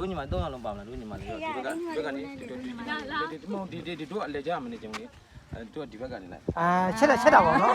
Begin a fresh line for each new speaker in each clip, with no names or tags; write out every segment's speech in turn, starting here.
တို့ညီမ3အောင်လုံးပါမလားတို့ညီမလေးဒီဘက်ကနေတို့အလဲကြမနေကြဘူးလေတို့ဒီဘက်ကနေလိုက်
ချက်တာပေါ့နော်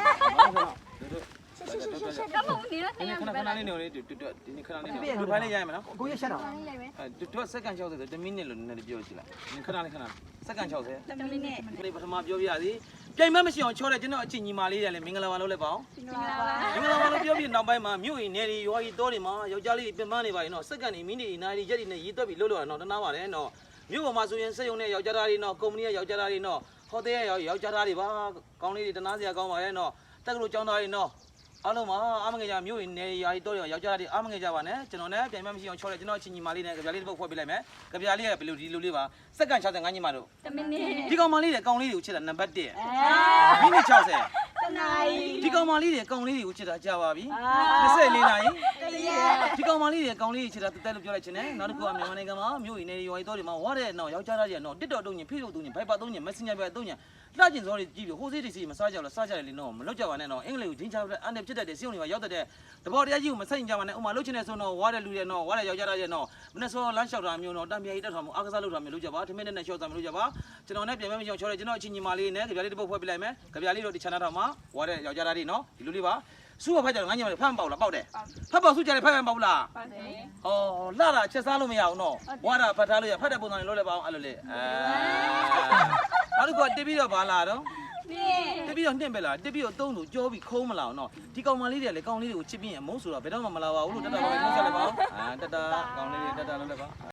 ခဏလေးနေလေတို့ဒီနေ့ခဏလေးနေတို့ဖိုင်လေးရရမလား
ကိုရချက်တာ
တို့စက္ကန့်60 10မိနစ်လို့နည်းနည်းပြောကြည့်လိုက်ခဏလေးစက္ကန့်60
10မိနစ်
ဒီပထမပြောပြရစီပြိုင်မမရှိအောင်ချောတယ်ကျွန်တော်အချင်းညီမလေးတွေလည်းမင်္ဂလာပါလို့လည်းပေါ့မင်္ဂလာပါလို့ပြောပြီးနောက်ပိုင်းမှာမြို့ရင်နေရီရွာကြီးတောတွေမှာယောက်ျားလေးပြင်ပန်းနေပါရင်တော့စက္ကန့်နေမိနစ်နာရီရက်တွေနဲ့ရေးသွက်ပြီးလို့တော့တနာပါတယ်နော်မြို့ပေါ်မှာဆိုရင်စက်ရုံနဲ့ယောက်ျားသားတွေနော်ကုမ္ပဏီရဲ့ယောက်ျားသားတွေနော်ဟိုတယ်ရဲ့ယောက်ျားသားတွေပါကောင်းလေးတွေတနာစရာကောင်းပါရဲ့နော်တက်ကလို့ចောင်းသားတွေနော်အားလုံးမှာအားမငယ်ကြမြို့ရင်နေရာကြီးတော့ယောက်ျားတွေအားမငယ်ကြပါနဲ့ကျွန်တော်နဲ့ပြိုင်မမရှိအောင်ချောတယ်ကျွန်တော်အချင်းညီမလေးနဲ့ကြပြားလေးတစ်ပုတ်ဖွဲ့ပေးလိုက်မယ်ကြပြားလေးကဘယ်လိုဒီလိုလေးပါစက္ကန့်65ညီမတို့
10မိနစ်
ဒီကောင်မလေးတွေကောင်လေးတွေကိုချစ်တာနံပါတ်1မိနစ်60
တနာရီ
ဒီကောင်မလေးတွေကောင်လေးတွေကိုချစ်တာကြာပါပြီ24နာရီဒီကောင်မလေးတွေကောင်လေးတွေချစ်တာတက်လို့ပြောလိုက်ခြင်းနဲ့နောက်တစ်ခုကမြန်မာနိုင်ငံမှာမြို့ရင်နေရွာကြီးတော့တွေမှာဝါတဲ့နော်ယောက်ျားသားတွေနော်တစ်တော်တုံးညင်ဖေးလို့တုံးညင်ဘိုက်ပါတုံးညင်မက်ဆင်ဂျာပဲတုံးညင်လှကျင်စောတွေကြည့်ပြီးဟိုးစေးတွေစီမစားကြလို့စားကြတယ်လေနော်မလွတ်ကြပါနဲ့နော်အင်္ဂလိပ်ကိုဂျင်းချတဲ့အန်တဲ့ဖြစ်တတ်တဲ့စီုံတွေမှာရောက်တဲ့တဘောတရားကြီးကိုမဆိုင်ကြပါနဲ့ဥမာလှုပ်ချင်တဲ့ဆိုတော့ဝါတဲ့လူတွေနော်ဝါတဲ့ယောက်ျားသားတွေနော်မနေ့စောလမ်းလျှောက်တာမျိုးနော်တံပြာကြီးတက်ထားမှုအားကစားလုပ်တာမျိုးလုပ်ကြပါထမင်းနဲ့ရှော့တာမျိုးလုပ်ကြပါကျွန်တော်နဲ့ပြန်မပြောင်းချောတယ်ကျွန်တော်အချင်းညီမလေးနဲ့ကြပြားလေးတစ်ပုတ်ဖွဲ့ပြလိုက်မယ်ကြပြားလေးတို့ဒီ channel ထောက်မှာဝါတဲ့ယောက်ျားသားတွေနော်ဒီလူလေးပါစုဖတ်ကြတော့ငါညီမလေးဖတ်မပေါက်လားပေါက်တယ်ဖတ်ပေါက်စုကြတယ်ဖတ်မပေါက်လား
ပါတယ်
ဟောလှတာချက်စားလို့မရအောင်နော်ဝါတာဖတ်ထားလို့ရဖတ်တဲ့ပုံစံလေးလုပ်လိုက်ပါအောင်အဲ့လိုလေနောက်တစ်ခုတက်ပြီးတော့ဘာလာတော့တက်ပြီးတော့နှင့်ပဲလားတက်ပြီးတော့သုံးသူကြောပြီးခုံးမလာအောင်နော်ဒီကောင်မလေးတွေကလေကောင်လေးတွေကိုချစ်ပြီးရင်အမုန်းဆိုတော့ဘယ်တော့မှမလာပါဘူးလို့တတပါပဲနှုတ်ဆက်လိုက်ပါအောင်တတကောင်လေးတွေတတလုပ်လိုက်ပါ